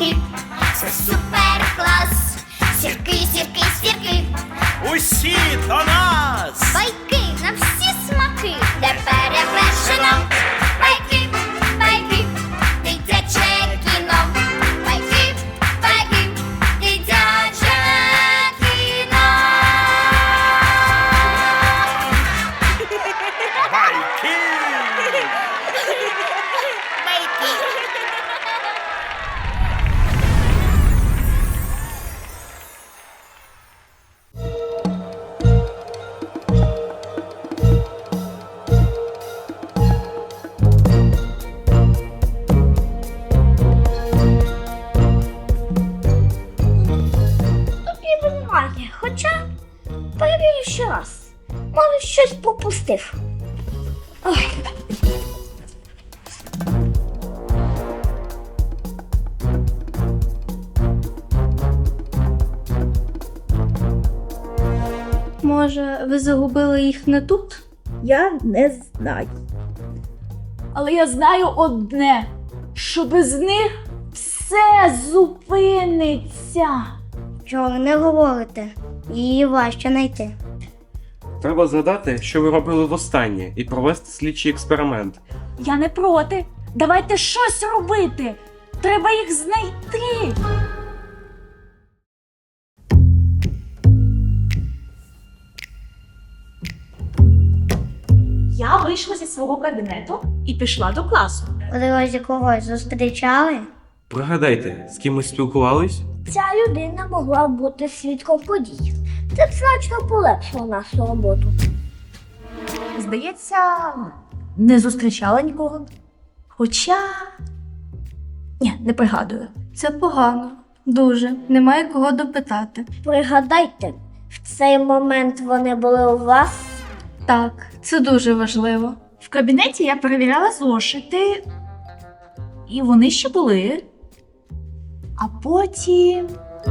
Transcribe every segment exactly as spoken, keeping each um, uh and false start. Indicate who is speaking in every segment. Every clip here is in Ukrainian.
Speaker 1: сірки, це супер клас. Сірки, сірки, сірки,
Speaker 2: Усі до нас!
Speaker 1: байки на всі смаки, де перевершено. Байки, байки, дитяче кіно. Байки, байки, дитяче кіно.
Speaker 2: Байки!
Speaker 1: Тут ніби немає, хоча перевірю ще раз. Може, щось пропустив. Ой.
Speaker 3: Може, ви загубили їх не тут?
Speaker 4: Я не знаю.
Speaker 5: Але я знаю одне, що без них все зупиниться.
Speaker 1: Чого ви не говорите? Її важче знайти.
Speaker 6: Треба згадати, що ви робили востаннє, і провести слідчий експеримент.
Speaker 5: Я не проти. Давайте щось робити. Треба їх знайти. Я вийшла зі свого кабінету і пішла до класу.
Speaker 1: У дорозі когось зустрічали?
Speaker 6: Пригадайте, з кимось спілкувались?
Speaker 1: Ця людина могла бути свідком подій. Це б значно полегшило нашу роботу.
Speaker 5: Здається, не зустрічала нікого. Хоча. Ні, не пригадую.
Speaker 3: Це погано. Дуже. Немає кого допитати.
Speaker 1: Пригадайте, в цей момент вони були у вас?
Speaker 3: Так, це дуже важливо.
Speaker 5: В кабінеті я перевіряла зошити, і вони ще були. А потім.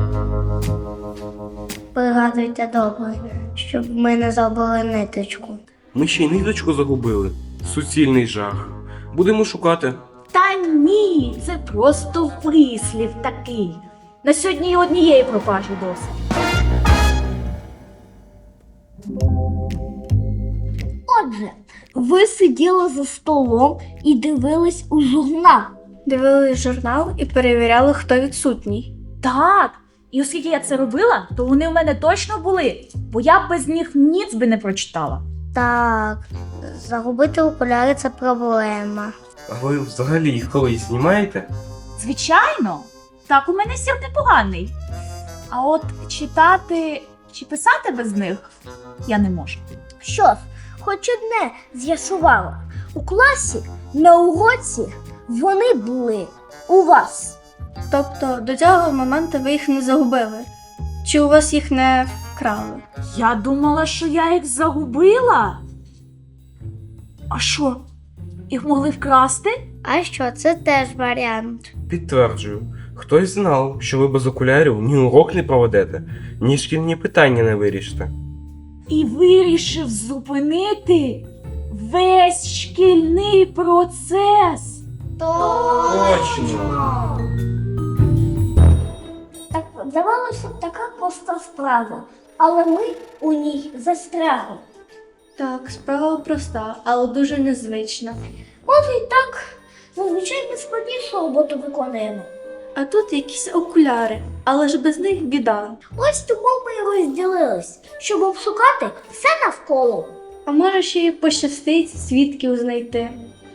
Speaker 1: Пригадуйте добре, щоб ми не забули ниточку.
Speaker 6: Ми ще й ниточку загубили. Суцільний жах. Будемо шукати.
Speaker 5: Та ні, це просто вислів такий. На сьогодні і однієї пропажі досить.
Speaker 1: Отже, ви сиділи за столом і дивились у журнал.
Speaker 3: Дивились журнал і перевіряли, хто відсутній.
Speaker 5: Так, і оскільки я це робила, то вони у мене точно були, бо я б без них ніц би не прочитала.
Speaker 1: Так, загубити окуляри – це проблема.
Speaker 6: А ви взагалі їх колись знімаєте?
Speaker 5: Звичайно, так у мене сір непоганий. А от читати чи писати без них я не можу.
Speaker 1: Що ж, хоч одне з'ясувала. У класі, на уроці вони були у вас.
Speaker 3: Тобто до цього моменту ви їх не загубили? Чи у вас їх не вкрали?
Speaker 5: Я думала, що я їх загубила. А що, їх могли вкрасти?
Speaker 1: А що, це теж варіант.
Speaker 6: Підтверджую. Хтось знав, що ви без окулярів ні урок не проведете, ні шкільні питання не вирішите.
Speaker 5: І вирішив зупинити весь шкільний процес.
Speaker 6: Точно!
Speaker 1: Так, здавалося б, така проста справа, але ми у ній застрягли.
Speaker 3: Так, справа проста, але дуже незвична.
Speaker 1: Може і так, зазвичай ми складнішу роботу виконуємо.
Speaker 3: А тут якісь окуляри, але ж без них біда.
Speaker 1: Ось тому ми і розділились, щоб обшукати все навколо.
Speaker 3: А може ще й пощастить свідків знайти.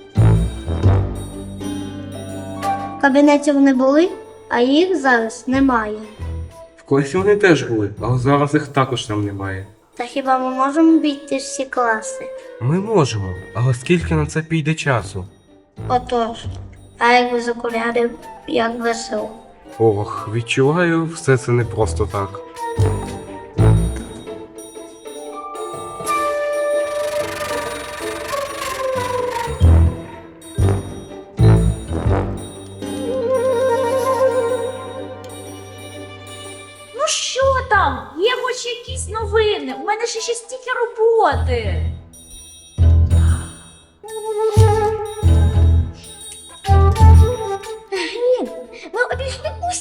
Speaker 1: В кабінеті вони були, а їх зараз немає.
Speaker 6: В класі вони теж були, але зараз їх також там немає.
Speaker 1: Та хіба ми можемо обійти всі класи?
Speaker 6: Ми можемо, але скільки на це піде часу?
Speaker 1: Отож, а як без окулярів, як весело.
Speaker 6: Ох, відчуваю, все це не просто так.
Speaker 5: Ну що там? Є хоч якісь новини? У мене ще ще стільки роботи.
Speaker 1: Ні, ми обійшли усі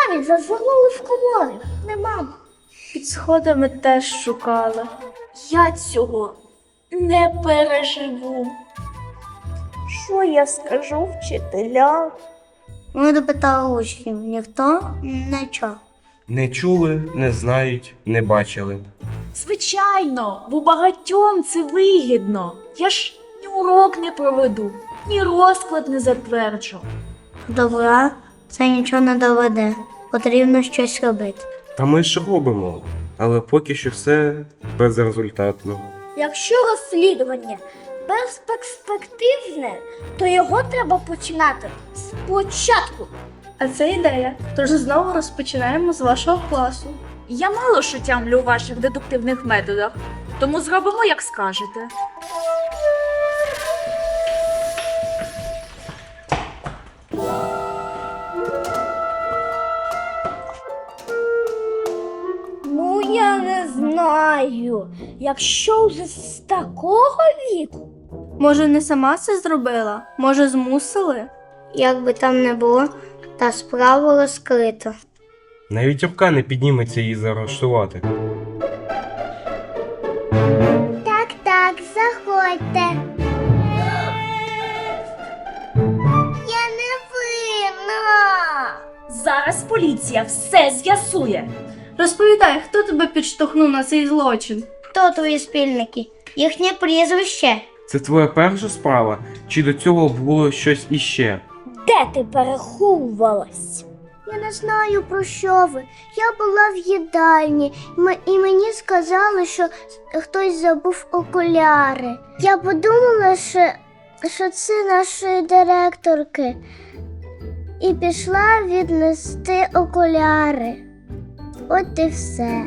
Speaker 1: Навіть зазирнули в комори. Нема.
Speaker 3: Під сходами теж шукали.
Speaker 5: Я цього не переживу.
Speaker 4: Що я скажу вчителям?
Speaker 1: Ми допитали учнів, ніхто не чув.
Speaker 6: Не чули, не знають, не бачили.
Speaker 5: Звичайно, бо багатьом це вигідно. Я ж ні урок не проведу, ні розклад не затверджу.
Speaker 1: Добра, це нічого не доведе. Потрібно щось робити.
Speaker 6: Та ми ж робимо, але поки що все безрезультатно.
Speaker 1: Якщо розслідування безперспективне, то його треба починати спочатку.
Speaker 3: А це ідея. Тож знову розпочинаємо з вашого класу.
Speaker 5: Я мало що тямлю у ваших дедуктивних методах, тому зробимо, як скажете.
Speaker 1: Ну, я не знаю. Якщо вже з такого віку.
Speaker 3: Може, не сама це зробила? Може, змусили?
Speaker 1: Як би там не було, та справа розкрита.
Speaker 6: Навіть рука не підніметься її заарештувати.
Speaker 1: Так, так, заходьте. Я не винна.
Speaker 5: Зараз поліція все з'ясує.
Speaker 3: Розповідай, хто тебе підштовхнув на цей злочин?
Speaker 1: Хто твої спільники? Їхнє прізвище.
Speaker 6: Це твоя перша справа? Чи до цього було щось іще?
Speaker 1: Де ти переховувалась? Я не знаю, про що ви. Я була в їдальні, м- і мені сказали, що хтось забув окуляри. Я подумала, що, що це нашої директорки. І пішла віднести окуляри. От і все.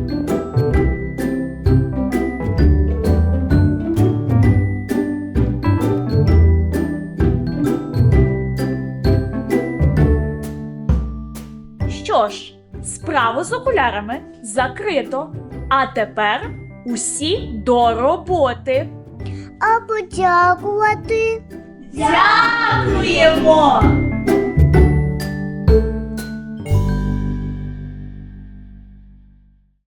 Speaker 5: Що ж, справу з окулярами закрито. А тепер усі до роботи.
Speaker 1: А подякувати?
Speaker 5: Дякуємо!